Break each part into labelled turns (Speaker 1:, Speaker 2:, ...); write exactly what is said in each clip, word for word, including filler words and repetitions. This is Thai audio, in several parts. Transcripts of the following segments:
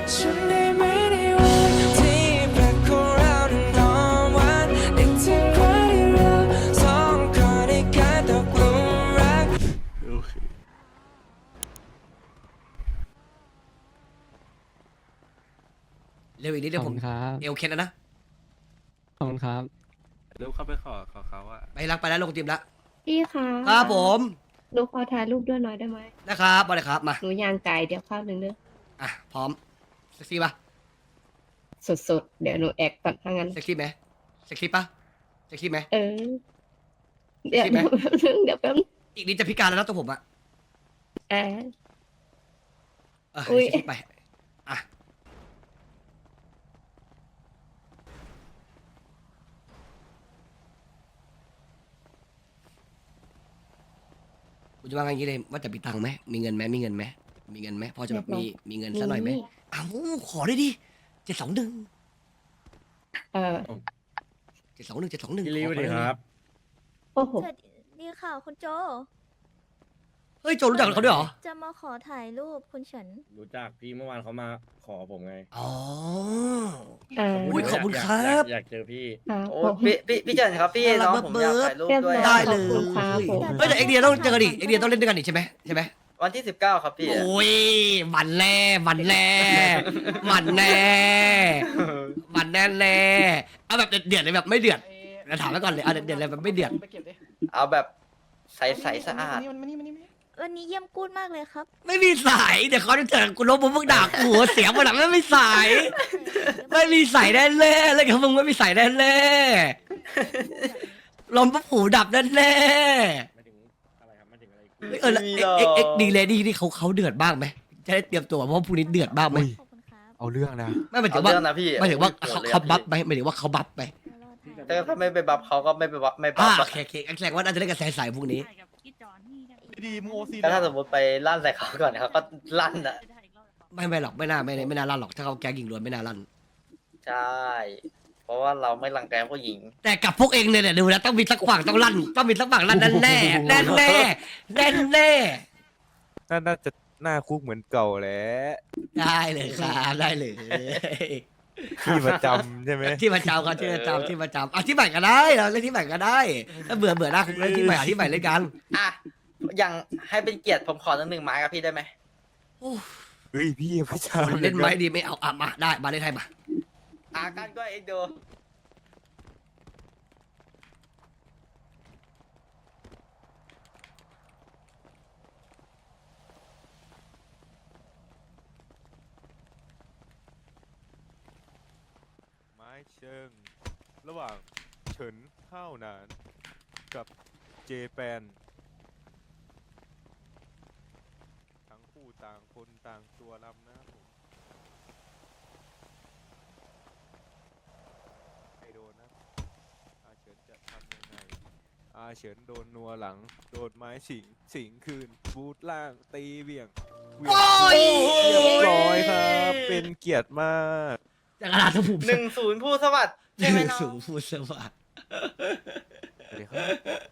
Speaker 1: ฉันได้ไหมในวันที่แปลกของเรานั้นหอมหวานนึกถึงวันที่เราสองคนได้กลายตกหลุมรัก
Speaker 2: โอเค
Speaker 3: เร็วอีกนิดเดียวผม
Speaker 4: ครับ
Speaker 3: เอวเคนแล้วนะ
Speaker 4: ขอบคุณครับ
Speaker 2: เดี๋ยวเข้าไปขอขอเขาอะ
Speaker 3: ไปรักไปแล้วลงทีมละ
Speaker 5: พี่คะ
Speaker 3: ครับผม
Speaker 5: หนูขอถ่ายรูปด้วยหน่อยได้ไหม
Speaker 3: นะครับมาเลยครับมา
Speaker 5: หนูย่างไก่เดี๋ยวข้าวหนึ่งเด้อ
Speaker 3: อ่ะพร้อมเซ็กซี่ปะ
Speaker 5: สุดๆ เดี๋ยวหนูแอกก่อนถ้างั้น
Speaker 3: เซ็กซี่ไหมเซ็กซี่ปะเซ็กซี่ไหม
Speaker 5: เออ เดี๋ยว
Speaker 3: ใช่ไหม
Speaker 5: เดี๋ยวแป๊บนึง
Speaker 3: อีกนิดจะพิการแล้วนะตัวผมอะ
Speaker 5: เดี๋ยวแป๊บนึงอ่า
Speaker 3: เออ
Speaker 5: อุ๊ย
Speaker 3: เซ็กซี่ไปอ่ะกูจะว่าไงอย่างนี้เลยว่าจะมีตังค์ไหมมีเงินไหมมีเงินไหมมีเงินไหมพอจะแบบมีมีเงินสักหน่อยไหมอ้าวขอได้ดิเจ็ดสองหนึ่ง
Speaker 5: เออ
Speaker 3: เจ็ดสองหนึ่งเจ็ดสองหนึ่ง
Speaker 2: พี่ลีสวัสดีครับ
Speaker 5: โอ้โห
Speaker 6: สวัสดีค่ะคุณโจ
Speaker 3: เฮ้ยโจรู้จักเขาด้วยเหรอ
Speaker 6: จะมาขอถ่ายรูปคุณเฉิน
Speaker 2: รู้จักพี่เมื่อวานเขามาขอผมไง
Speaker 3: อ๋อ
Speaker 5: อ่า
Speaker 3: อุ๊ยขอบคุณ
Speaker 2: ยาก
Speaker 3: ครับ
Speaker 2: อยากอยากเจอพี่
Speaker 5: อ่า
Speaker 7: โอ้
Speaker 5: ผม
Speaker 7: พี่พี่พี่เจินครับพี่
Speaker 3: น่ารัก
Speaker 7: น้องผมอยาก
Speaker 3: เบิร์ด
Speaker 7: ถ่ายรูป
Speaker 5: เรียบ
Speaker 7: ด้วย
Speaker 5: ร้อย
Speaker 3: ได้เลย
Speaker 5: ขอบคุณครับผม
Speaker 3: เฮ้ยแต่เอ็กเดียต้องเจอกันดิเอ็กเดียต้องเล่นด้วยกันดิใช่ไหมใช่ไหม
Speaker 7: วันที่สิบเก้าครับพี่
Speaker 3: โอ้ยวันแน่วันแน่วันแน่วันแน่แน่เอาแบบเดือดเลยแบบไม่เดือดเราถามไว้ก่อนเลยเอาเดือดเลยแบบไม่เดือด
Speaker 7: เอาแบบใสใสสะอาด
Speaker 6: วันนี้เยี่ยมกูดมากเลยครับ
Speaker 3: ไม่มีสายเดี๋ยวเขาจะเจอกูลบมึงมึงด่ากูหัวเสียงมันหลังไม่มีสายไม่มีสายแน่แน่ๆเลยครับมึงไม่มีสายแน่แน่ๆลมปุ๊บหูดับแน่แน่
Speaker 2: ไม่ถึงอะไรครับไม่ถึงอะไร
Speaker 3: ๆเฮ้ยเออแล้วเอ็กเอ็กเอ็กดีเลยดีนี่เขาเขาเดือดบ้างไหมจะได้เตรียมตัวเพราะว่าพรุ่งนี้เดือดบ้างไหม
Speaker 6: ขอบคุณครับ
Speaker 4: เอาเรื่องนะ
Speaker 3: ไม่หมายถึ
Speaker 7: เอา
Speaker 3: งว่า
Speaker 7: เรื่องนะพี่
Speaker 3: หมายถึงว่า
Speaker 7: โกร
Speaker 3: เขา
Speaker 7: ธลย
Speaker 3: เขา
Speaker 7: อะ
Speaker 3: บัฟ
Speaker 7: พี่
Speaker 3: ไหมหมายถึงว่าเขาบัฟไหม
Speaker 6: เดี๋ยวรอถ่าย
Speaker 7: แต่ถ้าไม่ไปบัฟเขาก็ไม่ไปบัฟไม่บั
Speaker 3: อ่า
Speaker 7: ฟ
Speaker 3: โอ
Speaker 7: อะ
Speaker 3: เคโอเคแสดงว่าน่าจะเล่นกับสายๆพวกนี้
Speaker 8: ดีมึงโอซี
Speaker 7: แต่ถ้าสมมติไปลั่นใส่เขาก่อนเขาก็ลั่นอ่ะ
Speaker 3: ไม่ไม่หรอกไม่น่าไม่ไม่น่าลั่นหรอกถ้าเขาแก๊งหญิงล้วนไม่น่าลั่น
Speaker 7: ใช่ เพราะว่าเราไม่รังแกผู้หญิง
Speaker 3: แต่กับพวกเองเนี่ยเนี่ยดูแล้วต้องมีสักฝั่งต้องลั่นต้องมีสักฝั่งลั่นแน่แน่แน่แน่แน่แน่
Speaker 9: น่าจะหน้าคุกเหมือนเก่าแหล้ว
Speaker 3: ได้เลยครับได้เลย
Speaker 9: ที่ประจำใช่ไหม
Speaker 3: ที่ประจำครับที่ประจำที่ประจำอ่ะที่ใหม่ก็ได้เราเล่นที่ใหม่ก็ได้ถ้าเบื่อเบื่อหน้าคุกเล่นที่ใหม่หาที่ใหม่เล่นกัน
Speaker 7: อ่ะอย่างให้เป็นเกียรติผมขอตั้งหนึ่งไม้กับพี่ได้ไหม
Speaker 9: เฮ้ยพี่ประจำ
Speaker 3: เล่นไม้ดีไม่เอาอ่ะมาได้มาเล่นไทยมา
Speaker 7: อ่ะกันก็เอ็กโด
Speaker 9: ไม้เชิง ระหว่างเฉินข้าวนาน กับเจแปนทั้งคู่ต่างคนต่างตัวลำนะครับผมไม่โดนนะอาเฉินจะทำยังไงอาเฉินโดนนัวหลัง โดนไม้สิง สิงคืน บูทล่างตีเบี่ยงเหวี่ยง
Speaker 3: โอ้ย
Speaker 9: เรียบร้อยครับ เป็นเกียรติมาก
Speaker 3: จากกระดาษสมุด
Speaker 7: หนึ่งศูนย์ผู้สวัสดิ์ใช่ไหมน้อ
Speaker 3: สู
Speaker 7: ง
Speaker 3: งพูดสวัสดิ์
Speaker 9: สวัสดีครับ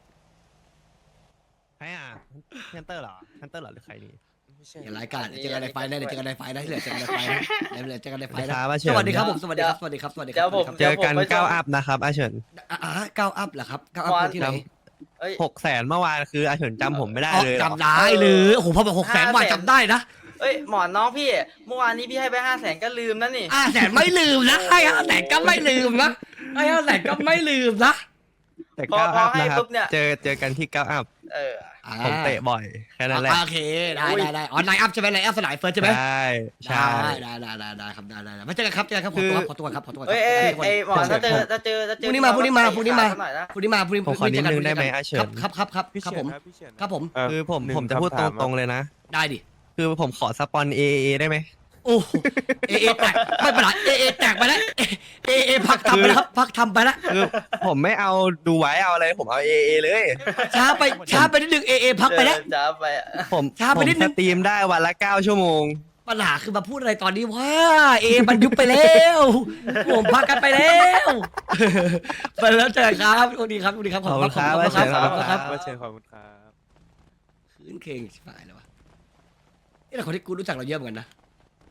Speaker 8: ใครอ่ะฮันเตอร์เหรอฮันเตอร์เหรอหรือใครนี่
Speaker 9: ไม่ใช่
Speaker 3: อย่ารายการเจอกันในไฟได้เจอกันในไฟได้เหลือเจอกันในไฟนะเหลือเจอกันในไฟ
Speaker 8: ค
Speaker 3: นะ
Speaker 8: รับอาเฉิ
Speaker 3: ส
Speaker 8: น
Speaker 3: วัสดีครับผมสวัสดีครับสวัสดีครับสวัสดีค
Speaker 7: เดี๋
Speaker 3: รั
Speaker 7: ยวผม
Speaker 8: เจอกันเก้าอัพนะครับอาเฉิน
Speaker 3: อ่าเก้าอัพเหรอครับเก้าอัพที่ไหน
Speaker 7: เอ้ย
Speaker 8: หกแสนเมื่อวานคืออาเฉินจำผมไม่ได้
Speaker 3: อ๋อ
Speaker 8: เลยเหรอ
Speaker 3: จำได้เลยโอ้โหพอบอกหกแสนบาทจำได้นะ
Speaker 7: เอ้ยหมอนน้องพี่ เมื่อวานนี้พี่ให้ไปห้าแสนก็ลืมนะนี่
Speaker 3: ห้าแสนไม่ลืมนะให้ห้าแสนก็ไม่ลืมนะให้ห้าแสนก็ไม่ลืมนะ
Speaker 8: แต่
Speaker 7: พอ
Speaker 8: เก้า
Speaker 7: พอ
Speaker 8: อัพ
Speaker 7: ให้
Speaker 8: นะครับ
Speaker 7: ปุ๊บเนี่ย
Speaker 8: เจอเจอกันที่เก้าอัพ
Speaker 7: เออ
Speaker 8: ผมเตะบ่อยแค่นั้นแหละ
Speaker 3: โอเคได้ได้ได้อ๋อไลน์อัพใช่ไหมไลน์อัพสลายเฟิร์สใช่ไหม
Speaker 8: ใช่ใช่
Speaker 3: ได้ได้ได้ได้ครับได้ได้ไม่เจอกันครับเจอกันครับขอตัวขอตัวครับขอตัว
Speaker 7: เอ้ยเอ้ยเอ้ยหมอนถ้าเจอถ้าเจอถ้า
Speaker 3: พ
Speaker 7: เจอ
Speaker 3: รุ่งนี้มาพรุ่งนี้มาพรุ่งนี้มา
Speaker 7: เตะขหน่อยนะ
Speaker 3: พรุ่งนี้มาพรุ่งนี้
Speaker 8: ผมขอนิดนึงได้ไหมอาเฉิน
Speaker 3: ครับครับครับ
Speaker 9: พี่
Speaker 3: ครับ
Speaker 9: เฉีย
Speaker 3: ผม
Speaker 9: นครับพี่เฉียน
Speaker 3: ครับผม
Speaker 9: เ
Speaker 8: คือผม
Speaker 9: หนึ่
Speaker 8: ผมจะพูด
Speaker 9: คำ
Speaker 8: ต
Speaker 9: ถาม
Speaker 8: รงๆเลยนะ
Speaker 3: ได้ดิ
Speaker 8: คือผมขอสปอนเอเอได้ไหม
Speaker 3: โอ้เอเอแตกไม่เป็นไรเอเอแตกไปแล้วเอเอพักทำไปแล้วครับพักทำไปแล้ว
Speaker 8: คือผมไม่เอาดูไว้เอาอะไรผมเอาเอเอเลย
Speaker 3: ช้าไปช้าไปนิดนึงเอเอพักไปแล้ว
Speaker 7: เจอจ้าไปอะ
Speaker 8: ผม
Speaker 3: ช้าไป
Speaker 8: ผม
Speaker 3: นิดนึ
Speaker 8: ส
Speaker 3: ง
Speaker 8: ตรีมได้วันละเก้าชั่วโมง
Speaker 3: ปัญหาคือมาพูดอะไรตอนนี้ว่าเอมันยุบไปแล้วผมพักกันไปแล้วไปแล้วเจอกันครับสวัสดีครับสวัสดีครับ
Speaker 8: ขอบคุณครับ
Speaker 3: ขอบคุณครับ
Speaker 8: ขอบคุณครับ
Speaker 9: ว่าเชิญขอบคุณครับ
Speaker 3: คืนเคงชิบหายแล้ววะนี่แหละคนที่กูรู้จักเราเยอะเหมือนกันนะ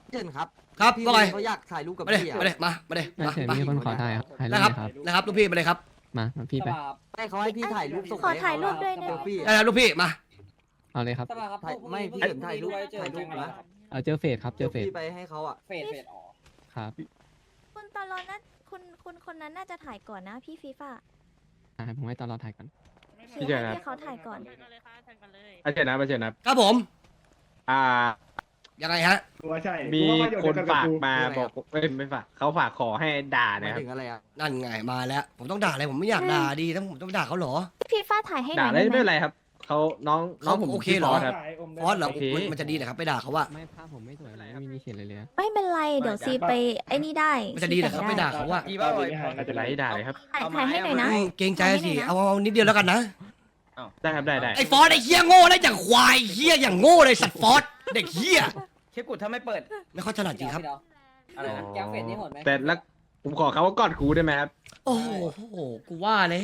Speaker 10: เชิญครับ
Speaker 3: ครับ
Speaker 10: พี่
Speaker 3: ว่าไง
Speaker 10: เขาอยากถ่ายรูปกับ
Speaker 3: มาเลย
Speaker 10: พี่
Speaker 3: มาเลยมามาเลย
Speaker 4: น่า
Speaker 3: มา
Speaker 4: เชิญ
Speaker 3: มา
Speaker 4: มีคนขอถ่ายครับถ่ายรูป
Speaker 3: นะครับ
Speaker 4: เลยครับ
Speaker 3: นะครับลูกพี่มาเลยครับ
Speaker 4: มามาพี่ไป
Speaker 10: ให้เขาให้พี่ถ่ายรูปส่ง
Speaker 6: ขอถ่ายรูปด้วย
Speaker 10: เซ
Speaker 6: นะ
Speaker 10: ลฟี่
Speaker 3: ได้แล้วลูกพี่มา
Speaker 4: เอาเลยครับ
Speaker 10: ถ่ายไม่พี่เฉินถ่ายรูปถ่ายรูปนะ
Speaker 4: เอาเจอเฟสครับ เจ
Speaker 10: เซ
Speaker 4: อ
Speaker 10: ล
Speaker 4: เฟส
Speaker 10: ฟี่ไปให้เขาอ่ะ
Speaker 4: ครับ
Speaker 6: คุณตลอดนะคุณคุณคนนั้นน่าจะถ่ายก่อนนะพี่ฟีฟ่า
Speaker 4: อ่าผมให้ตอนเราถ่ายก่อน
Speaker 6: พี่เฉินให้เขาถ่ายก่อน
Speaker 2: อาเชิญนะอาเชิญนะครับ
Speaker 3: ผม
Speaker 2: อ่า
Speaker 3: ยังไงฮะ
Speaker 2: มีคนฝากมาบอกเอ้ยไม่ฝากเขาฝากขอให้ด่า
Speaker 10: หมา
Speaker 2: นะ
Speaker 10: ย
Speaker 2: ครับ
Speaker 10: ถึงอะไรอ่ะ
Speaker 3: นั่นไงมาแล้ว ผมต้องด่าอะไรผมไม่อยากด่าดีแล้วผมต้องด่าเขาเหรอ
Speaker 6: พี่ฟ้าถ่ายให้หน่
Speaker 2: ด่า
Speaker 6: อย
Speaker 2: ได้
Speaker 6: ได้ไหม
Speaker 2: ไม่เป็นไรครับเขาน้องน้องผม
Speaker 3: โอเค
Speaker 2: ชื่
Speaker 3: เหรอ
Speaker 2: ฟสครับ
Speaker 3: ฟอสเหรอ
Speaker 2: โอเค
Speaker 3: มันมันจะดีเหรอครับไปด่าเขาว่า
Speaker 4: ไม่ภาพผมไม่สวยไม่มีเขียนเลยเลย
Speaker 6: ไม่เป็นไรเดี๋ยวซีไปไอ้นี่ได้
Speaker 3: มันจะดีเหรอครับไปด่าเขาว่า
Speaker 7: พี่ว่าไว้
Speaker 2: ไม่เป็นไรด่าเลยครับ
Speaker 6: ถ่ายถ่ายให้หน่อยนะ
Speaker 3: อืมเกรงใจสิเอาเอานิดเดียวแล้วกันนะ
Speaker 2: ได้ครับได้ได้
Speaker 3: ไอ้ฟอสไอ้เฮี้ยโง่ได้อย่างควายเฮี้ยอย่างโง่เลยสัตว์ฟอสเด็กเฮี้ย
Speaker 7: เชฟกุดถ้าไม่เปิด
Speaker 3: ไม่ค่อยถนัดจริงครับ
Speaker 7: อะไรนะ
Speaker 10: แก้วเฟสนี่หมดไหม
Speaker 2: แต่แล้วผมขอเขาว่ากอดครูได้ไหมครับ
Speaker 3: โอ้โหกูว่าแล้ว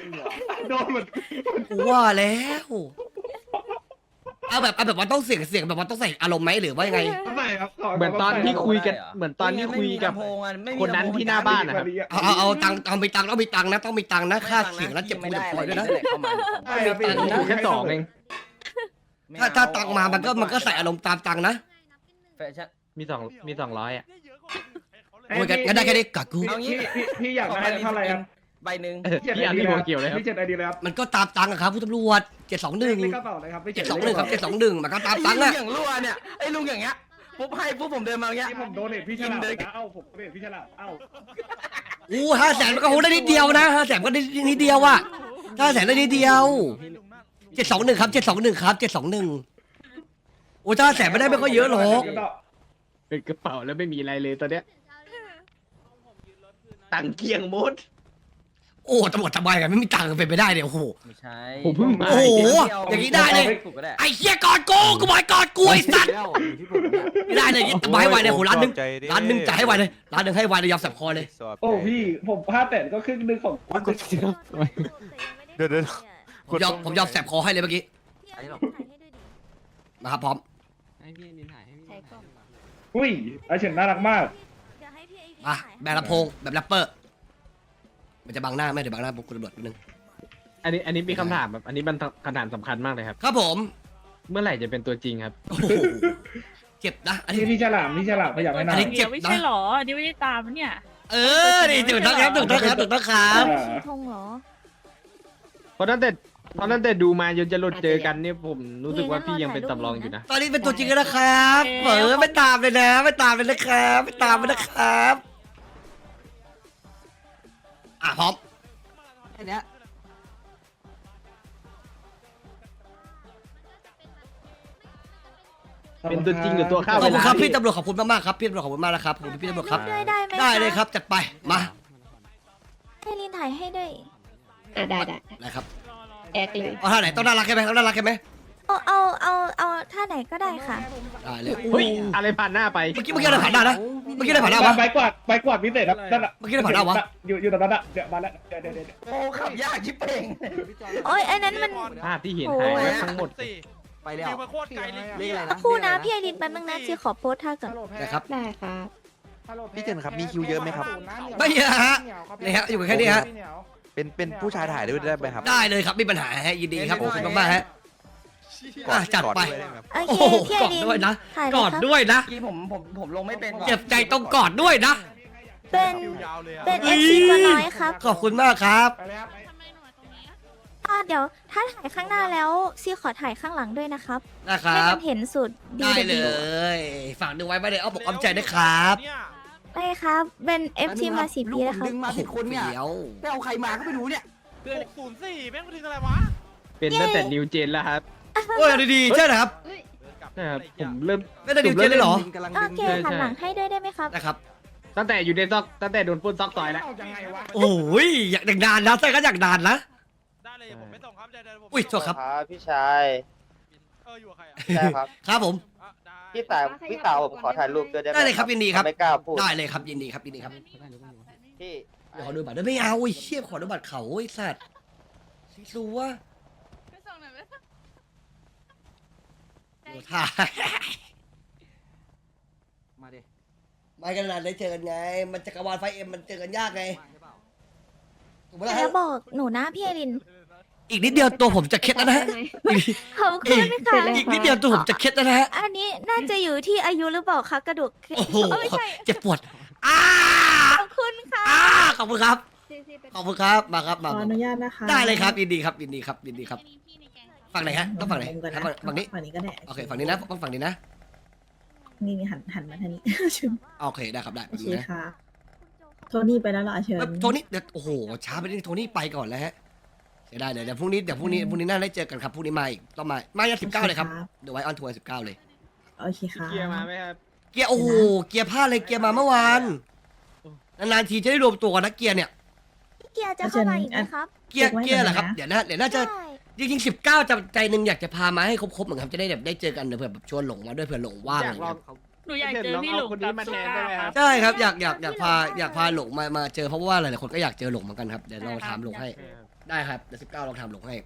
Speaker 3: กูว่าแล้วเอาแบบเอาแบบว่าต้องเสียงเสียงแบบว่าต้องใส่อารมณ์ไหมหรือว่ายังไง
Speaker 2: เหมือนตอนที่คุยกันเหมือนตอนที่คุยกับคนนั้นที่หน้าบ้านนะครับ
Speaker 3: เอาเอาเอาตังค์เอามีตังค์ต้องมีตังค์นะต้องมีตังค์นะค่าเสียงแล้วเจ็บปวดคอยด้วยนะ
Speaker 2: ถูกแค่สองเอง
Speaker 3: ถ้าถ้าตังค์มามันก็มันก็ใส่อารมณ์ตามตังค์นะ
Speaker 7: แฟชั่น
Speaker 2: มีสองมีสองร้อยอ่ะ
Speaker 3: โอ้ยงั้นงั้นได้แค่นี้กักกู
Speaker 7: เอางี้พี่พี่อยากได้เท่าไหร่ครับใบหนึ่ง
Speaker 2: เออพี่อันนี้ผมเกี่ยวเลยครับ
Speaker 3: มันก็ตามตังค์อะครับผู้ตำรวจเจ็ดสองหนึ่งเจ็ดสองหนึ่งครับเจ็ดสองหนึ่งมันก็ตามตังค์
Speaker 7: ลุ
Speaker 3: อะ
Speaker 7: งอย่างรั่วเนี่ยไอ้ลุงอย่างเงี้ยปุ๊บให้ปุ๊บผมเดินมาอย่างเงี้ย
Speaker 11: ผมโดนเห็นพี่ฉลาด
Speaker 7: กินเลย
Speaker 11: นะเอ้าผมโดนเห็นพี่ฉลาดเอ้า
Speaker 3: อู้ห้าแสนมันก็โหได้นิดเดียวนะห้าแสนก็ได้นิดเดียวอะห้าแสนได้นิดเดียวเจ็ดสองหนึ่งครับเจ็ดสองหนึ่งครับเจ็ดสองหนึ่งโอ้ห้าแสนไม่ได้ไม่ก็เยอะหรอก
Speaker 2: เป็นกระเป๋าแล้วไม่มีอะไรเลยตอนเนี้ยตังค์เกียงหมด
Speaker 3: โอ้ตำรวจทำไมกันไม่มีตังค์เป็นไปได้เนี่ยโอ้โห
Speaker 7: ไม่ใช่
Speaker 2: ผมเพิ่งมา
Speaker 3: โอ้โหอย่างนี้ได้เลย
Speaker 7: ถูกก็ได้
Speaker 3: ไอ้เหี้ยกอดกูกูบอกให้กอดกูไอ้สัตว์
Speaker 10: แล้วอยู่ที่ผมเนี่ย
Speaker 3: ไม่ได้เลยตบายไวเลยโหร้านหนึง
Speaker 9: ใจดิ
Speaker 3: ร้านหนึงจ่ายให้ไวเลยร้านหนึงให้ไวเลยยอมสับคอเลย
Speaker 9: สบ
Speaker 11: โอ้พี่ผมพลาดแต่ก็ครึ่งหนึงของ
Speaker 9: เดี๋ยวเดี๋ยว
Speaker 3: ผมยอมผมยอมแสบคอให้เลยเมื่อกี้
Speaker 6: ถ่ายให้ด้วยดิ
Speaker 3: มาครับพร้อม
Speaker 4: ให้พี่นินถ่ายให้พี่
Speaker 6: ใช่กล้อง
Speaker 11: อุ้ยอาเฉินน่ารักมาก
Speaker 6: เดี๋ยวให้พี่ไอวี
Speaker 3: มา
Speaker 6: ถ่าย
Speaker 3: แบบลำโพงแบบแรปเปอร์ มันจะบังหน้าไหมเดี๋ยวบังหน้าผมคุณตำรวจนิดนึง
Speaker 2: อันนี้อันนี้มีคำถามแบบอันนี้มันคำถามสำคัญมากเลยครับ
Speaker 3: ครับผม
Speaker 2: เมื่อไหร่จะเป็นตัวจริงครับ
Speaker 3: โอ้โหเจ็บนะ อันนี้
Speaker 11: พี่พี่ฉลาดพี่ฉลาดไม่อยากให้
Speaker 3: อั
Speaker 11: นาน น
Speaker 3: นี้เจ็บ
Speaker 12: ไม่
Speaker 3: นะ
Speaker 12: ใช่หรอนี่ไม่ได้ตามเนี่ย
Speaker 3: เออนี่ถูกต้องครับถูกต้องครับถูกต้องครับ
Speaker 11: อ่า
Speaker 6: สีธงเหรอ
Speaker 2: เพราะตั้งแต่เพราะตั้งแต่ดูมาจนจะหลุดเจอกันเนี่ยผมรู้สึกว่าพี่ยังเป็นสำรองอยู่นะ
Speaker 3: ตอนนี้เป็นตัวจริงแล้วนะครับเออไม่ตามเลยนะ ไม่ตามเลยนะครับไม่ตามเลยนะครับ อ่ะพร้อม
Speaker 10: แค่เนี้ย
Speaker 2: เป็นตัวจริงหรือตัวข้าว
Speaker 3: ขอบคุณครับ
Speaker 2: เวลา
Speaker 3: พี่ตำรวจขอบคุณมากๆครับพี่ตำรวจขอบคุณมากนะครับขอบคุณพี่ตำรวจครับ
Speaker 6: ถ่ายรูปด้วยได้ไหม
Speaker 3: ได้เลยครับจัดไปมา
Speaker 6: ให้ลินถ่ายให้ด้วย
Speaker 5: อ่ะได้ได้
Speaker 3: นะครับ
Speaker 5: แอกเลย
Speaker 3: เอาท่าไหนต้องน่ารักใช่ไหมต้องน่ารักใช่ไหม
Speaker 6: เอาเอาเอาเอาท่าไหนก็ได้ค่ะ
Speaker 3: ได้เลย
Speaker 2: เฮ้ยอะไรผ่านหน้าไป
Speaker 3: เมื่อกี้เมื่อกี้อะไรผ่านหน้านะเมื่อกี้อะไรผ่านหน้าวะ
Speaker 11: ใบกวาดใบกวาดพิเศษครับนั่นน่ะ
Speaker 3: เมื่อกี้อะไรผ่านหน้าวะ
Speaker 11: อยู่อยู่ตรงนั้นอ่ะเดี๋ยวมาแล้วเดี๋ยวเดี๋ยวเดี๋ยว
Speaker 7: โอ้ขับยากชิบเป่ง
Speaker 6: โอ้ยอันนั้นมัน
Speaker 2: ภาพที่เห็นหายไปทั้งหมด
Speaker 10: ไปแล้วเลขอะไรนะ
Speaker 6: คู่นะพี่ไอรินแป๊บนึงนะซีขอโพสท่าก่อน
Speaker 3: นะครับ
Speaker 5: ได้ครับ
Speaker 8: พี่เจนครับมีคิวเยอะไหมครับ
Speaker 3: ไม่เยอะฮะนี่ฮะอยู่แค่นี้ฮะ
Speaker 8: เป็นเป็นผู้ชายถ่ายด้วยได้ไหมครับ
Speaker 3: ได้เลยครับไม่มีปัญหาฮะยินดีครับขอบคุณมากๆฮะ อ่ะจัดไป
Speaker 6: โอ
Speaker 3: โอ้
Speaker 6: เค
Speaker 3: โห
Speaker 6: พี่ไอก
Speaker 3: อด
Speaker 6: ริน
Speaker 3: ด้วยนะ
Speaker 6: ถ่าย
Speaker 3: ก
Speaker 6: เลย
Speaker 3: อด
Speaker 6: ครับ
Speaker 3: ด้วยนะ
Speaker 7: เมื่อกี้ผมผมผมลงไม่เป็นว่ะ
Speaker 3: เจ็บใจต้องกอดด้วยนะ
Speaker 6: เป็นเป็นเอฟซีตัวน้อยครับ
Speaker 3: ขอบคุณมากครับ
Speaker 11: ไปแล้ว
Speaker 6: อ่ะเดี๋ยวถ้าถ่ายข้างหน้าแล้วซีขอถ่ายข้างหลังด้วยนะครับ
Speaker 3: นะค
Speaker 6: ให้
Speaker 3: รับ
Speaker 6: มันเห็นสุดดี
Speaker 3: ได้
Speaker 6: เด
Speaker 3: เล
Speaker 6: บิวย
Speaker 3: ฝากดูไว้ไม่ได้เอาบอกอ้อมใจนะครับ
Speaker 6: ได้ครับ เป็นเอฟซีมาสี่ปีแล้วค
Speaker 10: ลู
Speaker 6: รับ
Speaker 10: กผมดึงมาผิดคนเนี่ย
Speaker 3: เดี๋ยว
Speaker 10: ไปเอาใครมาก็ไม่รู้เนี่ย
Speaker 2: เป็นตั้งแต่นิวเจนแล้วครับ
Speaker 3: โอ้ยดีๆใช่เหรอครับ
Speaker 2: นะครับผมเริ่ม
Speaker 3: ไม่ได้ดิวเจนเลยเหรอ
Speaker 10: กำลัง
Speaker 6: โอ
Speaker 10: ดึง
Speaker 6: เคหันหลังให้ด้วยได้ไหมครับ
Speaker 3: นะครับ
Speaker 2: ตั้งแต่อยู่ในซอกตั้งแต่โดนปล้นซอกซอยแล้ว
Speaker 11: เอายังไงวะ
Speaker 3: โอ้ยอยากอย่างนานนะใช่ก็อยากนานนะ
Speaker 9: ได้เลยผมไม่ส่งครับใจเดินผม
Speaker 3: อุ้ยโทษครับ
Speaker 7: ครับพี่ชาย
Speaker 9: เอออยู่กับใครอ่ะ
Speaker 7: ใช่ครับ
Speaker 3: ครับผม
Speaker 9: อ่ะได้
Speaker 7: พี่สาวพี่สาวผมขอถ่ายรูปด้วยได้ไหม
Speaker 3: ได้เลยครับยินดีครับ
Speaker 7: ไม่กล้าพูด
Speaker 3: ได้เลยครับยินดีครับยินดีครับ
Speaker 7: พี่
Speaker 3: เดี๋ยวขอดูบัตรด้วยไม่เอาไอ้เชี่ยขอดูบัตรเขาไอ้สัตว์รู้ว่าโอ้ท่า
Speaker 10: มาดิ
Speaker 3: ไม่กันนานได้เจอกันไง มันจักรวาลไฟเอ็มมันเจอกันยากไงถูกไหมล่ะ
Speaker 6: แล้
Speaker 3: ฮะ
Speaker 6: วบอกหนูนะพี่เอริน
Speaker 3: อีกนิดเดียวตัวผมจะเคล็ดแล้วนะฮะอีก
Speaker 6: ขอบคุณค่ะ
Speaker 3: อีกนิดเดียวตัวผมจะเคล็ดแล้วนะฮะ
Speaker 6: อันนี้น่าจะอยู่ที่อายุหรือเปล่าคะกระดูก
Speaker 3: โอ้โห
Speaker 6: เอ้ยไม่ใช่
Speaker 3: เจ็บปวดอ้า
Speaker 6: ขอบคุณค่ะ
Speaker 3: อ้าขอบคุณครับ ขอบคุณครับ มาครับ มา
Speaker 10: ขออนุญาตนะคะ
Speaker 3: ได้เลยครับ ยินดีครับ ยินดีครับ ยินดีครับ ฝั่งไหนฮะ ต้องฝั่งไหน
Speaker 10: มุมกันนะ
Speaker 3: ฝั่งฝั่งนี้
Speaker 10: ฝั่งนี้ก็ได้
Speaker 3: โอเค ฝั่งนี้นะ ต้องฝั่งนี้นะ
Speaker 10: นี่นี่หันหันมาทางนี้ เชิญ
Speaker 3: โอเค ได้ครับ ได้
Speaker 10: โอเค
Speaker 3: นะ
Speaker 10: ค่ะ โทนี่ไปแล้วเหรอเชิญ
Speaker 3: เอ้ยโทนี่เดี๋ยวโอ้โห ช้าไปนิดนึงโทนี่ไปก่อนแล้วฮะเสียดายเดี๋ยวเดี๋ยวพรุ่งนี้ เดี๋ยวพรุ่งนี้ พรุ่งนี้น่าได้เจอกันครับ พรุ่งนี้มาอีก ต้องมา มาอย่างสิบเก้าเลยครับ เดี๋ยวไว้ออนทัวร์สิบเก้าเลย
Speaker 10: โอเคค่ะ
Speaker 2: เกียร์มาไหมครับ
Speaker 3: เกียร์ โอ้โห เกียร์พลาดเลย เกียร์มาเมื่อวาน นานๆทีจะได้รวมตัวกันนะเกียร์เนี่ย
Speaker 6: พี่เกียร์จะเข้ามาอีกไหมครับ
Speaker 3: เกียร์ เกียร์เหรอครับ เดี๋ยวนะ เดี๋ยวน่าจะ
Speaker 6: ใช่
Speaker 3: จริงๆสิบเก้าใจใจหนึ่งอยากจะพามาให้ครบๆเหมือนกันจะได้แบบได้เจอกันเดี๋ยวเผื่อแบบชวนหลงมาด้วยเผื่อหลงว่าง
Speaker 2: อ
Speaker 3: อะไร
Speaker 2: ยากล
Speaker 3: เงี้
Speaker 2: อง
Speaker 3: ย
Speaker 12: หนูอยากเจอพี่หลง
Speaker 2: คนนี้มาแทนได้ไหมครับ
Speaker 3: ใช่ครับอยากอยากอยากพาอยากพาหลงมามาเจอเพราะว่าหลายๆคนก็อยากเจอหลงเหมือนกันครับเดี๋ยวลองถามหลงให้ได้ครับเดี๋ยวสิบเก้าลองถามหลงให้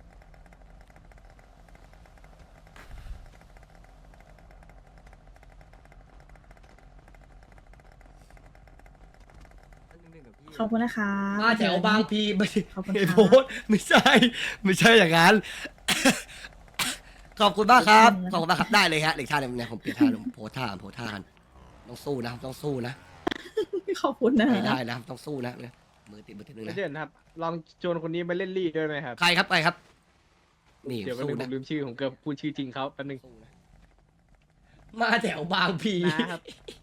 Speaker 10: ขอบคุณนะคะ
Speaker 3: มาแถวบางพีไม่ใช่
Speaker 10: ขอบคุณ
Speaker 3: ไอ้
Speaker 10: ค่ะ
Speaker 3: โพสต์ไม่ใช่ไม่ใช่อย่างนั้น ขอบคุณมากครับขอบคุณมากครับได้เลยฮะเด็กท่าเนี่ยผมเปลี่ยนท่าผมโพสท่าโพสท่ากันต้องสู้นะครับต้องสู้นะ
Speaker 10: ขอบคุณนะ
Speaker 3: ไม่ได้นะครับต้องสู้นะมือติดมือติดนึงนะ
Speaker 2: เด่นครับ ลองชวนคนนี้มาเล่นลี่ด้วยไหมครับ
Speaker 3: ใครครับใครครับนี่
Speaker 2: เดี๋ยวแป๊บ
Speaker 3: สู้
Speaker 2: นึงผ
Speaker 3: นะ
Speaker 2: มลืมชื่อผมเกือบพูดชื่อจริงเขาแป๊บนึง
Speaker 3: มาแถวบางพี
Speaker 2: นะครับ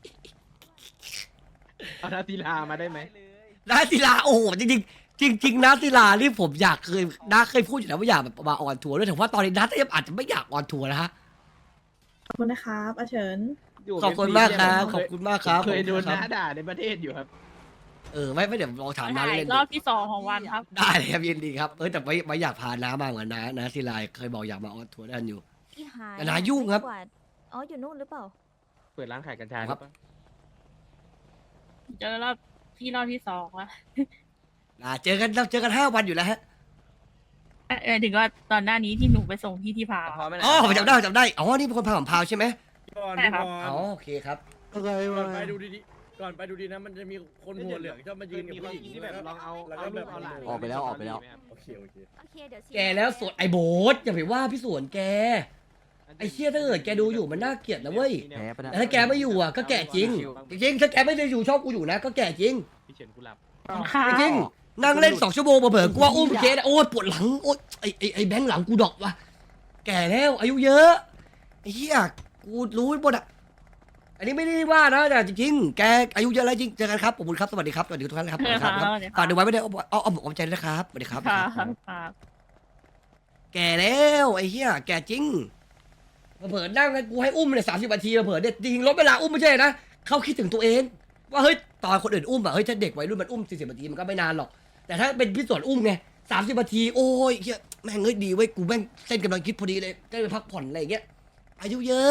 Speaker 2: เอานาตีลามาได้ไหม
Speaker 3: นาศิลาโอ้โหจริงๆจริงจริงๆนาศิลานี่ผมอยากเคยนาเคยพูดอยู่แล้วว่าอยากแบบมาออนทัวร์ด้วยแต่ว่าตอนนี้นาอาจจะไม่อยากออนทัวร์นะฮะ
Speaker 10: ขอบคุณนะครับอาเฉิน
Speaker 2: ยู่
Speaker 3: ขอบคุณมากครับขอบคุณมากครับ
Speaker 2: เคยโดน
Speaker 3: ขอบ
Speaker 2: น้า
Speaker 3: คุณครับ
Speaker 2: ด่าในประเทศอยู่ครับ
Speaker 3: เออไม่ไม่เดี๋ยวลองถามน้า
Speaker 12: ถ่าย
Speaker 3: เล่น
Speaker 12: รอบที่สองของวันครับ
Speaker 3: ได้เลยครับยินดีครับเออแต่ไม่ไม่อยากพาน้ามาเหมือนน้านาศิลาเคยบอกอยากมาออนทัวร์ด้วยกันอยู่
Speaker 6: อีหาย
Speaker 3: แต่นายุ่งครับ
Speaker 6: กว่าอ๋ออยู่นู่นหรือเปล่า
Speaker 2: เปิดร้านขายกัญชา
Speaker 3: ครับ
Speaker 2: หอเปล่า
Speaker 12: เจอรอบที่รอบที่สองแล้ว
Speaker 3: อ่าเจอกันเราเจอกันห้าวันอยู่แล้วฮะ
Speaker 12: เออถึงว่าตอนหน้านี้ที่หนูไปส่งพี่ที่พาว
Speaker 7: พอไหม
Speaker 3: อ๋อผมจำได้ผมจำได้อ๋อนี่เป็นคนพาผมพาวใช่ไหม
Speaker 12: ใช่ครับ
Speaker 3: อ๋อโอเคครับ
Speaker 8: อะไร
Speaker 11: ก่
Speaker 8: วะ
Speaker 11: อนไปดูดีๆก่อนไปดูดีนะมันจะมีคนหัวเหลืองชอบมายืนกับผู้หญิง
Speaker 2: ที่แบบลองเอา
Speaker 11: แล้วก็แบบ
Speaker 2: เอาหลาน
Speaker 10: ออกไปแล้วออกไปแล้ว
Speaker 11: โอเคโอเค
Speaker 6: โอเคเดี๋ยว
Speaker 3: แกแล้วสวดไอ้โบสอย่าไปว่าพี่สวนแกไอ้เชี่ยถ้าเกิดแกดูอยู่มันน่าเกลียดนะเว้ย
Speaker 10: แพ้ปะนะ
Speaker 3: แต่ถ้าแกไม่อยู่อ่ะก็แก่จริง จริงๆถ้าแกไม่ได้อยู่ชอบกูอยู่นะก็แก่จริง
Speaker 2: พี่เฉินกุหลาบ
Speaker 12: ค่ะ
Speaker 3: จริงๆนั่งเล่นสองชั่วโมงเผลอๆกูว่าอุ้มเคสโอ้ยปวดหลังโอ้ยไอ้ไอ้ไอ้แบงค์หลังกูดอกว่ะแก่แล้วอายุเยอะไอ้เหี้ยกูรู้หมดอ่ะอันนี้ไม่ได้ว่านะแต่จริงๆแกอายุเยอะแล้วจริงเจอกันครับขอบคุณครับสวัสดีครับสวัสดีทุกท่านนะครับสวัสดีครับฝากดูไว้ไม่ได้เอาเอาเอาเอาใจด้วยนะครับสวัสดีครับ
Speaker 12: ค่ะค่ะ
Speaker 3: แก่แล้วไอ้เหี้ยแก่จริงเผลอๆนั่งกันกูให้อุ้มเนี่ยสามสิบนาทีเผลอๆเนี่ยจริงๆลดเวลาอุ้มไม่ใช่นะเขาคิดถึงตัวเอง ว่าเฮ้ยตอนคนอื่นอุ้มอะเฮ้ยถ้าเด็กวัยรุ่นมันอุ้มสี่สิบนาทีมันก็ไม่นานหรอกแต่ถ้าเป็นพี่สวนอุ้มไงสามสิบนาทีโอ้ยเหี้ยแม่งเฮ้ยดีเว้ยกูแม่งเส้นกำลังคิดพอดีเลยได้ไปพักผ่อนอะไรอย่างเงี้ยอายุเยอะ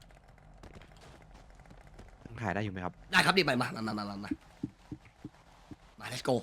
Speaker 8: ถ่ายได้อยู่ไหมครับ
Speaker 3: ได้ครับดิมามามามามามามามา let's go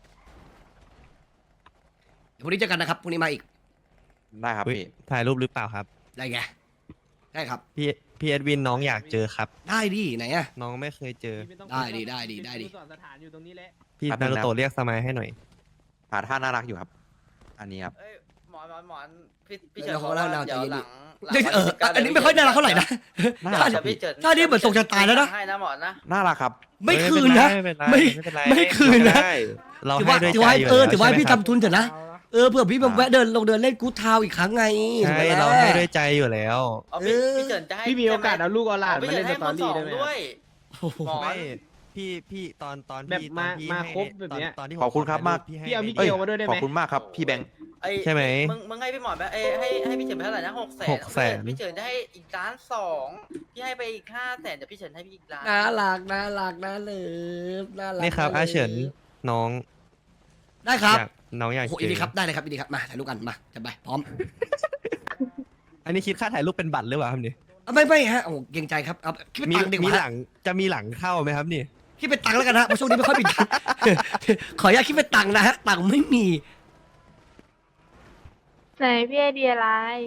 Speaker 3: เดี๋ยวพรุ่งนี้เจอกันนะครับพรุ่งนี้มาอีก
Speaker 8: ได้ครับพี่
Speaker 9: ถ่ายรูปหรือเปล่าครับ
Speaker 3: ได้ไงได้ครับ
Speaker 9: พี่พี่เอ็ดวินน้องอยากเจอครับ
Speaker 3: ได้ดิไหนอะ
Speaker 9: น้องไม่เคยเจอ
Speaker 3: ได้ดิได้ดิได้ดิ
Speaker 2: สอนสถานอยู่ตรงนี้แหละ
Speaker 9: พี่
Speaker 8: แป๊บนึ
Speaker 9: นาง รุ
Speaker 8: นะ
Speaker 9: โตะเรียกสมัยให้หน่อย
Speaker 8: หาท่าน่ารักอยู่ครับ อันนี้ครับ
Speaker 7: เอ้ยหมอนหมอนหมอนพี่พี่
Speaker 3: เดี๋
Speaker 7: เฉิ
Speaker 3: ยวน เขา
Speaker 7: บอกว่า
Speaker 3: เล่า
Speaker 7: เดี๋ยว
Speaker 3: ใจเย็น
Speaker 7: ห
Speaker 3: ดิ
Speaker 7: ลังหลัง
Speaker 3: เฮ้ย
Speaker 7: วัน
Speaker 3: เออ
Speaker 7: ที่สิบก้า
Speaker 3: อันนี้ไม่ค่อยน่ารักเท่าไหร่นะ
Speaker 8: น่ารัก
Speaker 7: เดี๋ยวพี่เฉิน
Speaker 3: ถ้านี่เหมือนส่งชะตาแล้วนะ
Speaker 7: ให้นะหมอนนะ
Speaker 8: น่ารักครับ
Speaker 3: ไม่คืนนะ
Speaker 9: ไม่เป็นไร
Speaker 3: ไม่
Speaker 9: ไม่เป็นไร
Speaker 3: ไม่คืนนะ
Speaker 9: ได้เรา
Speaker 3: ถือ
Speaker 9: ให้
Speaker 3: ว่า
Speaker 9: ด้วย
Speaker 3: ถือ
Speaker 9: ใจ
Speaker 3: ว่า
Speaker 9: อยู่
Speaker 3: เออ
Speaker 9: แล้ว
Speaker 3: ถือว่าให้พี่
Speaker 9: ใช่ไหม
Speaker 3: ทำทุนเถอะนะเออเผื่อพี่มาแวะเดินลงเดินเล่นกู๊ดทาวน์อีกครั้งไง
Speaker 9: ใช่
Speaker 3: ถูกไหม
Speaker 9: เรา
Speaker 3: ล่ะ
Speaker 9: ให้ด้วยใจอยู่แล้ว
Speaker 7: เอาพี่
Speaker 3: เออ
Speaker 7: พี่เฉินจะให้
Speaker 2: พี่มีโอกาสเอาลูกเอาหลาน
Speaker 7: พี่
Speaker 2: มา
Speaker 7: เฉิ
Speaker 2: เล่
Speaker 7: น
Speaker 2: น
Speaker 7: ให้
Speaker 2: สตอรี่
Speaker 7: มือสอง
Speaker 2: ได้ไหม
Speaker 7: ด้วย
Speaker 3: โอ้โห
Speaker 7: หมอ
Speaker 9: ไม่พี่พี่ตอนตอน
Speaker 2: แบบ
Speaker 9: ที่
Speaker 2: มา
Speaker 9: ตอนที่
Speaker 2: มา
Speaker 9: ให้
Speaker 2: ครบแบบเนี้ย
Speaker 9: ตอนที่
Speaker 8: ขอบคุณครับมาก
Speaker 9: พี่ให้
Speaker 2: พี่เอามิ
Speaker 9: ให้
Speaker 2: เกลมาด้วยได้ไหม
Speaker 8: ขอบคุณมากครับ พี่แบงค์
Speaker 7: ไอ้
Speaker 9: ใช่ไหม
Speaker 7: มึงมึงให้พี่หมอนไปเอ้ยให้ให้พี่เฉินไปเท่าไหร่นะหกแสน
Speaker 9: หกแสน
Speaker 7: พี่เฉินจะให้อีกล้านสองพี่ให้ไปอีกห้าแสนเดี๋ยวพี่เฉินให้พี่อีกล้าน
Speaker 3: น่ารักน่ารักน่าเลิฟน่ารัก
Speaker 9: นี่ครับ
Speaker 3: น่
Speaker 9: อา
Speaker 3: ลิฟ
Speaker 9: เฉินน้อง
Speaker 3: ได้ครับ
Speaker 9: อยากน้องอยาก
Speaker 3: โอ้โห
Speaker 9: เจ
Speaker 3: ยินดี
Speaker 9: อ
Speaker 3: ครับได้เลยครับยินดีครับมาถ่ายรูปกันมาจะไปพร้อม
Speaker 9: อันนี้คิดค่าถ่ายรูปเป็นบัตรหรือเปล่าครับนี่
Speaker 3: เอาไม่ไม่ฮะโอ้โหเกรงใจครับเอาคิดเป็น
Speaker 9: มี
Speaker 3: ตังค์ดีก
Speaker 9: มี
Speaker 3: ว่า
Speaker 9: หลังจะมีหลังเข้าไหมครับนี่
Speaker 3: คิดเป็นตังค์แล้วกันฮะเพราะช่วงนี้ไม่ค่อยมีตังค์ ขออนุญาตคิดเป็นตังค์นะฮะตังค์ไม่มี
Speaker 12: ไหนพี่ไอเดียอะไร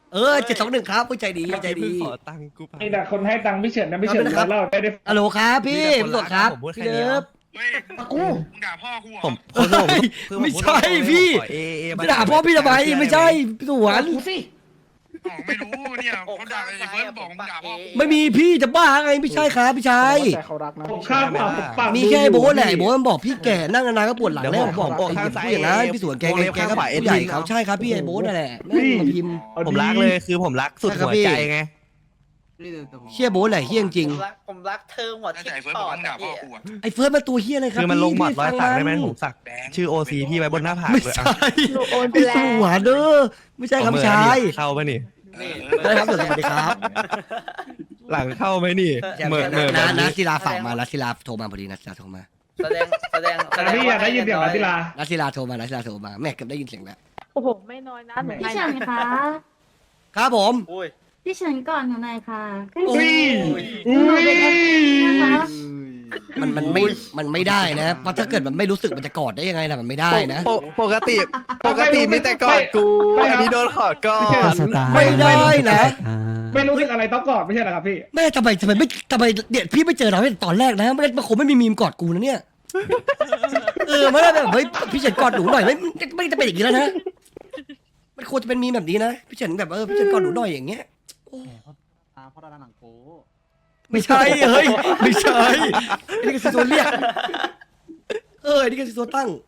Speaker 3: เออเจ็ดสองหนึ่งครับผู้ใจดีใจดี
Speaker 8: ขอตังค์กูไป
Speaker 11: ไอ้แต่คนให้ตังค์พี่เฉินนะพี่เฉิน
Speaker 3: ครับ
Speaker 11: เล่าได้ได้
Speaker 3: ฮัลโหลครับพี่พี่สดครับ
Speaker 8: ผมพูดแค่
Speaker 3: พี่
Speaker 8: นี้
Speaker 3: เลิฟ
Speaker 11: กู
Speaker 8: ผมคนผม
Speaker 3: ไม่ใช่พี่
Speaker 8: เอเอ
Speaker 3: ไม่ด่าพ่อพี่ทำไมไม่ใช่พี่สวน
Speaker 11: กูสิ
Speaker 7: ไม่รู้เนี่ยเขาด่าไอ้เฟิร์สบอกมึงด่าพ่อ
Speaker 3: ไม่มีพี่จะบ้าไงไม่ใช่ครับพี่ชาย
Speaker 11: แต่เขารักนะผมข้ามปากผมปาก
Speaker 3: มีแค่ไอ้โบ๊ทแหละไอ้โบ๊ทมันบอกพี่แก่นั่งนานๆก็ปวดหลังแล้วผมบอก
Speaker 8: ผม
Speaker 3: ไอ้
Speaker 8: ข้างซ้าย
Speaker 3: ผู้อย่างนั้นพี่สวนแกไงแกก็ผู้ใหญ่เขาใช่ครับพี่ไอ้โบ๊ทนั่นแหละแม่งมาพิมพ์
Speaker 8: ผมรักเลยคือผมรักสุดหัวใจไง
Speaker 3: เฮียโบ๊ทแหละเฮียจริง
Speaker 7: ผมรักผมรักเธอหัวทิ่มปอดอะพี่
Speaker 3: ไอ้เฟิร์สมันตัวเฮียอะไรครับ
Speaker 8: คือมันลงหมัด
Speaker 3: พี่
Speaker 8: ร้อยสักได้ไหม
Speaker 3: ฟัง
Speaker 8: ผมสักชื่อโอซีพี่ไว้บนหน้าผาก
Speaker 3: ไม่
Speaker 8: เลย
Speaker 3: ใช่
Speaker 8: อ่ะ
Speaker 5: หนูโอนไป
Speaker 3: พี่
Speaker 5: แล้
Speaker 3: ส
Speaker 5: ว
Speaker 3: วนเด้อไม่ใช่ครับพี่ชาย
Speaker 8: เข้าปะนี่
Speaker 7: นี่
Speaker 3: ได้ครับสวัสดีครับ
Speaker 8: หลังเข้าไหมนี่เหมื่อเหมื่อแบ
Speaker 3: นะ
Speaker 8: บ
Speaker 3: นะ
Speaker 8: นี้
Speaker 3: ศิลาฝากมานะศิลาโทรมาพอดีนะศิลาโทรมา
Speaker 7: แสดงแสดงแส
Speaker 11: แต่
Speaker 7: ดง
Speaker 11: พี่อยากได้ยินเสียงนักกีฬา
Speaker 3: นะศิลาโทรมานะศิลาโทรมาแม่เกือบได้ยินเสียงแล้ว
Speaker 12: โอ้โห ไม่น้อยนะหนู
Speaker 6: พี่เฉินคะ
Speaker 3: ครับผม
Speaker 7: อุ้ย
Speaker 6: พี่เฉินก่อนหนูหน่อยค่ะ
Speaker 11: อุ้ย
Speaker 6: หนูเป็นเอฟซีนะคะ
Speaker 3: มันมันไม่มันไม่ได้นะเพราะถ้าเกิดมันไม่รู้สึกมันจะกอดได้ยังไงล่ะมันไม่ได้นะ
Speaker 8: ปกปกติปกติมีแต่กอดกูอันนี้โดนขอดก่อน
Speaker 3: ไม่ได้นะ
Speaker 11: ไม่รู้สึกอะไรต้องกอดไม่ใช่เหรอครับพี่
Speaker 3: แม่ทำไมทำไมไม่ทำไมเนี่ยพี่ไม่เจอเราตั้งแต่ตอนแรกนะไม่งั้นมันคงไม่มีมีมกอดกูนะเนี่ยเออไม่ได้แบบเฮ้ยพี่เฉินกอดหนูหน่อยไม่ไม่ไม่จะเป็นอย่างนี้แล้วนะมันควรจะเป็นมีมแบบนี้นะพี่เฉินแบบเออพี่เฉินกอดหนูหน่อยอย่างเงี้ยโอ้
Speaker 4: เพราะดาหนังโป๊
Speaker 3: ไม่ใช่เฮ้ยไม่ใช่อันนี้ก็คือตัวเรียกเอออันนี้ก็คือตัวตั้ง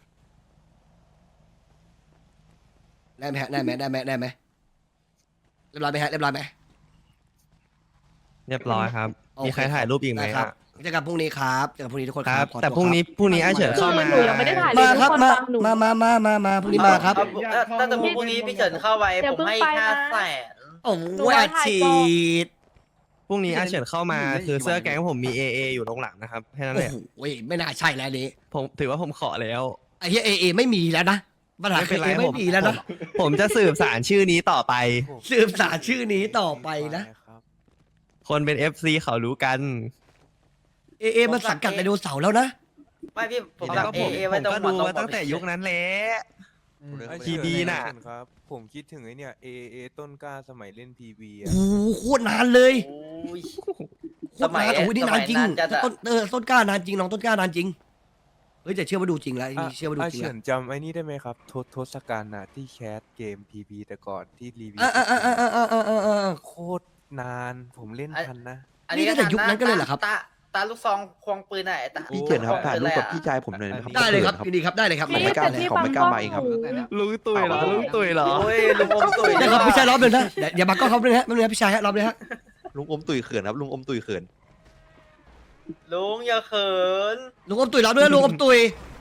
Speaker 3: ได้ไหมฮะได้ไหมได้ไหมได้ไหมเรียบร้อยไหมฮะเรียบร้อยไหม
Speaker 8: เรียบร้อยครับ
Speaker 3: โอเค
Speaker 8: มีใครถ่ายรูปอีกไหม
Speaker 3: ได้ครับ
Speaker 8: อ่ะ
Speaker 3: เจอกันพรุ่งนี้ครับเจอกันพรุ่งนี้ทุกคน
Speaker 8: ค
Speaker 3: ค
Speaker 8: รั
Speaker 3: รั
Speaker 8: บบ
Speaker 3: ขอ
Speaker 8: แต่
Speaker 3: ตัว
Speaker 8: พรุ่งนี้พรุ่งนี้อาเฉิน
Speaker 12: คื
Speaker 8: เข้า
Speaker 12: อ
Speaker 8: มา
Speaker 12: หนูยังไม่ได้ถ่ายเลย
Speaker 3: มา
Speaker 12: ทุก
Speaker 3: ครับ
Speaker 12: คน
Speaker 3: มา
Speaker 12: ฟังหนู
Speaker 3: มามามามามาพรุ่งนี้มาครับ
Speaker 7: เอาถ้าสมมติพรุ่งนี้พี่เฉินเข้าไป
Speaker 12: อย่า
Speaker 7: ผม
Speaker 12: เพิ่ง
Speaker 7: ให้
Speaker 12: ไป
Speaker 7: ห้า
Speaker 12: นะ
Speaker 7: แสน
Speaker 3: โอ้
Speaker 12: หนู
Speaker 3: โห
Speaker 12: ว่า
Speaker 3: อัด
Speaker 12: ถ่าย
Speaker 3: ฉี
Speaker 12: ก่อน
Speaker 3: ด
Speaker 8: พรุ่งนี้อาเฉินเข้ามาคือเสื้อแก๊งผมมีเอเออยู่ตรงหลังนะครับแค่นั้น
Speaker 3: โอ้
Speaker 8: แหละ
Speaker 3: โหไม่น่าใช่แล้วอันนี้
Speaker 8: ผมถือว่าผมขอแล้ว
Speaker 3: ไอ้เหี้ยเอเอไม่มีแล้วนะปัญหา
Speaker 8: ไม่
Speaker 3: คื
Speaker 8: เป็น
Speaker 3: อ
Speaker 8: ไร
Speaker 3: เอไม่
Speaker 8: ผม
Speaker 3: มีแล้วนะ
Speaker 8: ผมผมจะสืบสารชื่อนี้ต่อไป
Speaker 3: สืบสารชื่อนี้ต่อไปนะ
Speaker 8: คนเป็น เอฟ ซี เขารู้กัน
Speaker 3: เอเอมันสังกัดไดโนเสาร์แล้วนะ
Speaker 7: ไม่พี่ผม
Speaker 8: แล้ว
Speaker 7: รัก
Speaker 8: ก็
Speaker 7: เอ
Speaker 8: ผม
Speaker 7: เอ
Speaker 8: ผ
Speaker 7: ไว้
Speaker 8: ม
Speaker 7: ตรง
Speaker 8: ก็
Speaker 7: หัว
Speaker 8: ดู
Speaker 7: ตรง
Speaker 8: มาตั้งแต่ยุคนั้นแหละ
Speaker 9: ไอ้
Speaker 8: ทีดีน่ะ
Speaker 9: เฉิครับ ผมคิดถึงไอ้เนี่ยเอเอต้นกล้าสมัยเล่นพีบี
Speaker 3: โอ้โหโคตรนานเลย
Speaker 7: โอ้ย
Speaker 3: โคตรนานโอ้ยนี่นานจริง
Speaker 7: สมัยนั้นจะ
Speaker 3: ต้นเออต้นกล้านานจริงน้องต้นกล้านานจริงเฮ้ยแต่เชื่อว่าดูจริงแล้วอันนี้เชื่อว่าดู
Speaker 9: อา
Speaker 3: จริง
Speaker 9: เฉิ
Speaker 3: แล้ว
Speaker 9: นจำไอ้นี่ได้ไหมครับทศทศกัณฐ์น่ะที่แคสเกมพีบีแต่ก่อนที่รีวิว
Speaker 3: อ่าอ่าอ่าอ่าอ่าอ่าอ่าอ่า
Speaker 9: โคตรนานผมเล่นทันนะ
Speaker 7: อัน
Speaker 3: นี่
Speaker 7: นี้
Speaker 3: ตั้งแต่ยุคนั้นก็เลยเหรอครับ
Speaker 7: ตาตาลูกซองควงปืนไหนตา
Speaker 9: พี่เฉินครับถ่ายรูปกับพี่
Speaker 7: ชาย
Speaker 8: ผมหน่อยนะครับ
Speaker 3: ได้เลยครับยินดีครับได้เลยครับ
Speaker 12: พี่
Speaker 3: ไม่กล้า
Speaker 12: แต่
Speaker 3: เลย
Speaker 12: พี่ฟังกล้องหนู
Speaker 8: ลุงตุยเหรอลุงตุยเหรอ
Speaker 7: โอ้ยลุงอมตุ๋ย
Speaker 3: ได้ครับพี่ชายรอบหนึ่งนะเดี๋ยวอย่าบังกล้องเขาเลยฮะไม่เป็นไรพี่ชายฮะรอบเลยฮะ
Speaker 8: ลุงอมตุยเขินครับลุงอมตุยเขิน
Speaker 7: ลุงอย่าเขิน
Speaker 3: ลุงอมตุยรอบด้วยลุงอมตุย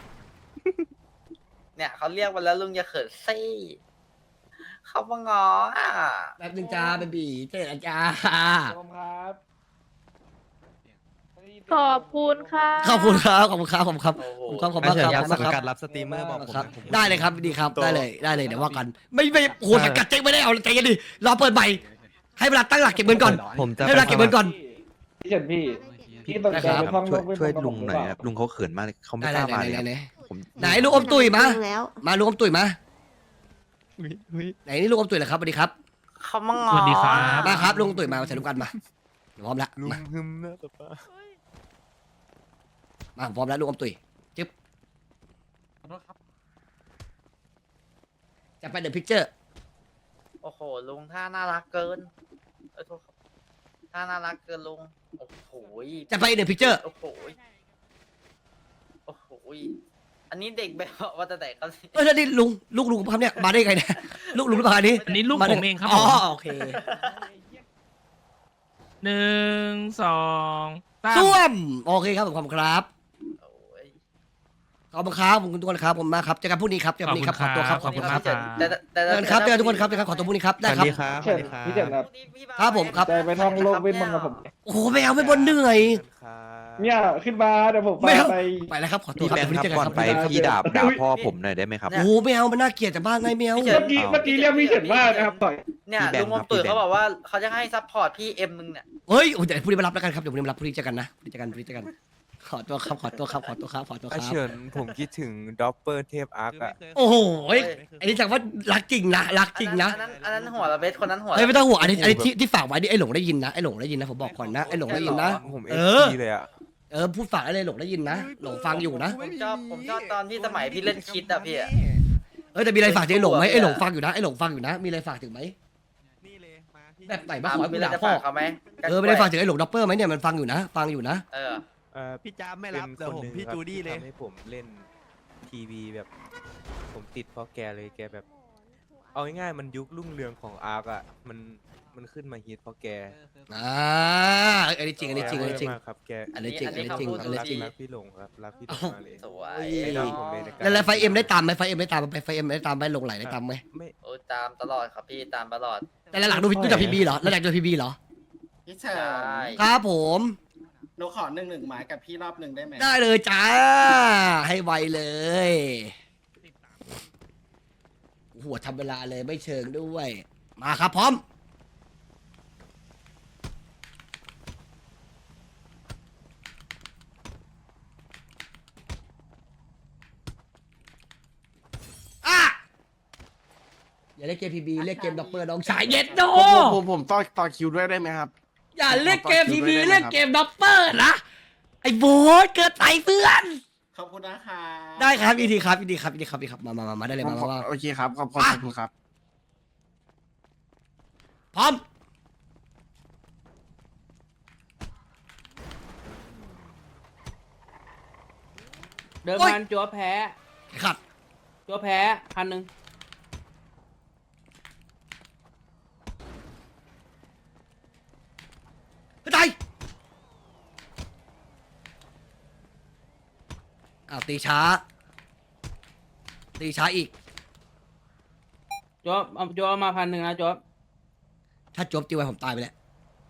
Speaker 7: เนี่ยเขาเรียกมาแล้วลุงอย่าเขินซี่เขามางออ่ะ
Speaker 3: แป๊บนึงจ้าเบบีเจ๊จ้า
Speaker 11: ครับ
Speaker 12: ขอบคุณค่ะ
Speaker 3: ขอบคุณครับขอบคุณครับขอบคุณครับ
Speaker 7: โอ้โห
Speaker 3: ขอบคุณมาก
Speaker 8: อาเฉิ
Speaker 3: คน รับ
Speaker 8: ครับ
Speaker 3: ขอบคุณ
Speaker 8: สัง
Speaker 3: ค
Speaker 8: กั
Speaker 3: รั
Speaker 8: ด
Speaker 3: บ
Speaker 8: รับสตรีมเมอร์บอกผม
Speaker 3: ครับ
Speaker 8: ผม
Speaker 3: ได้เลยครับดีครับได้เลยได้เลยเดี๋ยวว่ากัน ไม่ไม่โอ้โหสังกัดเจ๊งไม่ได้เอาใจกันดิรอเปิดใหม่ให้เวลาตั้งหลักเก็บเงินก่อน
Speaker 8: ผมจะ
Speaker 3: ให้เวลาเก็บเงินก่อน
Speaker 11: พี่เฉินพี่พี่ต้องใจไปท่องโลกเวทมนต์กับผมหรือเปล่า
Speaker 8: ลุงเขาเขินมากเขาไม่
Speaker 3: ไหน
Speaker 8: กล้า
Speaker 3: ไหน
Speaker 8: มา
Speaker 3: ไหน
Speaker 8: เลย
Speaker 3: ไหนไหนลูกอมตุยมา
Speaker 6: แล้ว
Speaker 3: มาลูกอมตุยมาไหนนี่ลูกอมตุยเหรอครับสวัสดีครับ
Speaker 7: เขามางอ
Speaker 12: สวัสดีครับ
Speaker 3: มาครับลูกอมตุยมามาใส่ลูกกันมาเดี๋ยวพร้อมละ
Speaker 9: ลุง
Speaker 3: มา
Speaker 9: ฮึมนะแต่ป้า
Speaker 3: มาพร้อมแล้วลูกอมตุยจึ๊บจะไปเดอะพิกเจอร์
Speaker 7: โอ้โหลุงท่าน่ารักเกินเอ้ยโทษครับท่าน่ารักเกินลุงโอ้โห
Speaker 3: จะไปเดอะพิกเจอร์
Speaker 7: โอ้โหโอ้โหอันนี้เด็กแบบว่าแต่แต่เขา
Speaker 3: เอ้ยแล้วนี่ลุงลูกลุงครับเนี่ยมาได้ไงเนี่ยลูกลุงหรือเปล่าอันนี้
Speaker 12: อันนี้ลูก
Speaker 3: าได้
Speaker 12: ผมเองครับ
Speaker 3: อ๋อ
Speaker 12: ผม
Speaker 3: โอเค
Speaker 12: หนึ่งสองสาม
Speaker 3: ส้วมโอเคครับผมขอบคุณครับ
Speaker 7: โอ้ย
Speaker 3: ขอบคุณครับผมคุณทุกคนครับผมมากครับเจอกันพรุ่งนี้ครับเจอกันพรุ่งนี้ครับขอตัวครับขอบคุณครับ
Speaker 7: แต่แต่แต่
Speaker 3: เจอกันครับเจอกันทุกคนครับเจอกันครับขอตัวพรุ่งนี้ครับ
Speaker 8: ส
Speaker 3: ได้
Speaker 8: วัส
Speaker 3: ครับ
Speaker 8: ดีครับส
Speaker 11: เฉิ
Speaker 8: วัน สดีครับ
Speaker 11: พี่เฉินครับ
Speaker 3: ครับผมครับ
Speaker 11: ใจไปท่องโลกเวทมนต์กับผม
Speaker 3: โอ้โหไม่เอาไม่บนเหนื่อย
Speaker 11: เนี่ยขึ้นมาเดี๋ยวผม
Speaker 3: ไม่เอา
Speaker 11: ไป
Speaker 3: ไปแล้วครับขอตัวครับเดี๋ยวพรุ่งนี้เจอกันครับ
Speaker 8: พี่ดาบด่าพ่อผมหน่อยได้ไหมครับ
Speaker 3: โอ้โหไม่เอามันน่าเกลียดแต่บ้านไงไม่เอา
Speaker 11: เมื่อกี้เมื่อกี้เรียกพี่เฉินว่านะครับต่อย
Speaker 7: เนี่ย
Speaker 8: พี่แบง
Speaker 7: ลุ
Speaker 8: ค์
Speaker 7: งอม
Speaker 8: ครับ
Speaker 7: ตุ๋ย
Speaker 8: พี่แบงค์
Speaker 7: เขาบอกว่าเขาจะให้ซัพพอร์ตพี่เอ็มนึงเนี่ย
Speaker 3: เฮ้ยโอ้ยเดี๋ยวพรุ่งนี้มารับแล้วกันครับเดี๋ยวพรุ่งนี้มารับพรุ่งนี้เจอกันนะพรุ่งนี้เจอกันพรุ่งนี้เจอกันขอตัวครับขอตัวครับขอตัวครับขอตัวค
Speaker 9: อา
Speaker 3: รับ
Speaker 9: เฉินผมคิดถึงด็อปเปอร์เทพอาร์คอะ
Speaker 3: โอ้โหอันนี้แสดงว่ารักจริงนะรักจริงนะ
Speaker 7: อันนั้นอันนั้นหัวระเบสคนนั้นหัว
Speaker 3: เฮ้ยไม่ต้องห่วงอันนี้อันนี้ที่ที่ฝากไว้นี่ไอ้หลงได้ยินนะไอ้หลงได้ยินนะผมบอกก่อนนะไอ้หลงได้ยินนะ
Speaker 9: ผมเอ
Speaker 3: เอ
Speaker 9: ฟ
Speaker 3: อ
Speaker 9: ซีเลยอะ
Speaker 3: เออพูดฝากได้เลยหลงได้ยินนะหลงฟังอยู่นะ
Speaker 7: ผมชอบผมชอบตอนที่สมัยพี่เล่นคิดอะพี่อะ
Speaker 3: เออแต่มีอะไรฝากถึงไอ้หลงไหมไอ้หลงฟังอยู่นะไอ้หลงฟังอยู่นะมีอะไรฝากถึงไหม
Speaker 8: นี่เลยมาพี่
Speaker 3: แบบไหนบ้าง
Speaker 7: อ่ะ
Speaker 3: ขอให้
Speaker 7: มี
Speaker 3: กู
Speaker 7: อะไร
Speaker 3: ด่า
Speaker 7: จะ
Speaker 3: พ่อ
Speaker 7: ฝากเขาไหม
Speaker 3: เออไม่ได้ฝากถึงไอ้หลงด็อปเปอร์ไหมเนี่ยมันฟังอยู่นะฟังอยู่นะ
Speaker 7: เออ
Speaker 9: เอ่อ
Speaker 8: พี่จ้าไม่รับ
Speaker 9: เป็น
Speaker 8: เดี๋ยวผม
Speaker 9: คนหนึ่ง
Speaker 8: พี่
Speaker 9: ครับ
Speaker 8: จูดี้เลย
Speaker 9: ที่ทำให้ผมเล่นทีวีแบบ ผมติดเพราะแกเลยแกแบบ เอาง่ายๆมันยุครุ่งเรืองของอาร์คอะมันมันขึ้นมาฮิตเพราะแก
Speaker 3: อ่าอันนี้จริงอันนี้จริงอันนี้จริง
Speaker 9: มากครับแก
Speaker 3: อันนี้จริงอันนี้จริงอันนี้
Speaker 9: รัก
Speaker 3: จริง
Speaker 9: รักพี่หลงครับรักพี่หลงมาเลย
Speaker 7: สวย
Speaker 9: ให้น้องผมเลยในการ
Speaker 3: แล้วแล้วไฟเอ็มได้ตามไหมไฟเอ็มได้ตามไหมไฟเอ็มได้ตามไหมหลงไหลได้ตามไหม
Speaker 9: ไม่
Speaker 7: โอ้ยตามตลอดครับพี่ตามตลอด
Speaker 3: แต่หลังๆดูดูจากพีบีเหรอแล้วหลังจากพีบีเหรอ
Speaker 11: พี่เฉิ
Speaker 7: ใช่
Speaker 11: น
Speaker 3: ครับผม
Speaker 11: หนูขอหนึ่งหนึ่งหมายกับพี่รอบหนึ่งได้ไหม
Speaker 3: ได้เลยจ้าให้ไวเลยหัวทำเวลาเลยไม่เชิงด้วยมาครับพร้อมอ่ะอย่าเล่นเกมพีบีเล่นเกมด็อปเปอร์น้องชายเย็ดโด
Speaker 11: ผมผมผมต่อต่อคิวด้วยได้ไหมครับ
Speaker 3: อย่าเล่นเกมพีบีเล่นเกมด็อปเปอร์นะไอ้โบสเกิดไปเพื่อน
Speaker 11: ขอบคุณนะคะ
Speaker 3: ได้ครับยินดีครับยินดีครับยินดีครับยินดีครับมามามามาได้เลยมามามา
Speaker 11: โอเคครับขอบคุณขอบคุณครับ
Speaker 3: พร้อม
Speaker 4: เดิม
Speaker 3: โอ๊ย
Speaker 4: พันจัวแพ้
Speaker 3: ขัด
Speaker 4: จัวแพ้พันหนึ่ง
Speaker 3: เฮ้ยตายอ้าวตีช้า ตีช้าอีก
Speaker 4: จัวเอาจัวเอามาพันหนึ่งนะจัว
Speaker 3: ถ้าจบตีไว้ผมตายไปแล้ว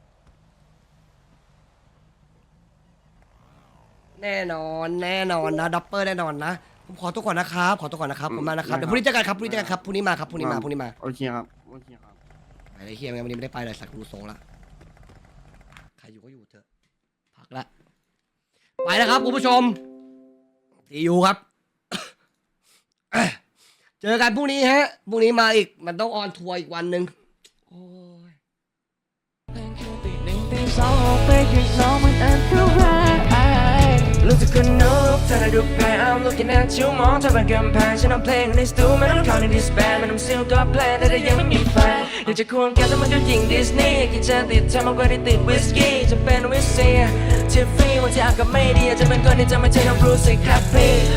Speaker 3: แน่นอนแน่นอนนะดับเบิลแน่นอนนะผมขอตัวก่อนนะครับขอตัวก่อนนะครับผมมานะครับเดี๋ยวพรุ่งนี้เจอกันครับพรุ่งนี้เจอกันครับพรุ่งนี้มาครับพรุ่งนี้มาพรุ่งนี้มา
Speaker 11: โอเคครับโอเคครับ
Speaker 3: ไอ้เฮียวันนี้ไม่ได้ไปเลยสักดูทรงละใครอยู่ก็อยู่เถอะพักละไปแล้วครับคุณผู้ชมทียูครับ เจอกันพรุ่งนี้ฮะพรุ่งนี้มาอีกมันต้องออนทัวร์อีกวันหนึ่งโอ้ย
Speaker 1: ตีหนึ่งตีสองออกไปข้างนอกมันอันตรายรู้สึกคนนกเธอได้ดูแพ้ I'm looking at you มองเธอเป็นกำแพงฉันเอาเพลงในสตูไม่ต้องเข้าในดิสแบนไม่ต้องซิลก็แพลนแต่ยังไม่มีแฟนอยากจะควงแกแต่มันก็ยิงดิสนีย์กินจะติดเธอมากกว่าที่ติดวิสกี้จะเป็นวิสเซียที่ฟรีวันที่อากาศไม่ดีจะเป็นคนที่จะไม่ใช่น้องบรูซสิครับพี่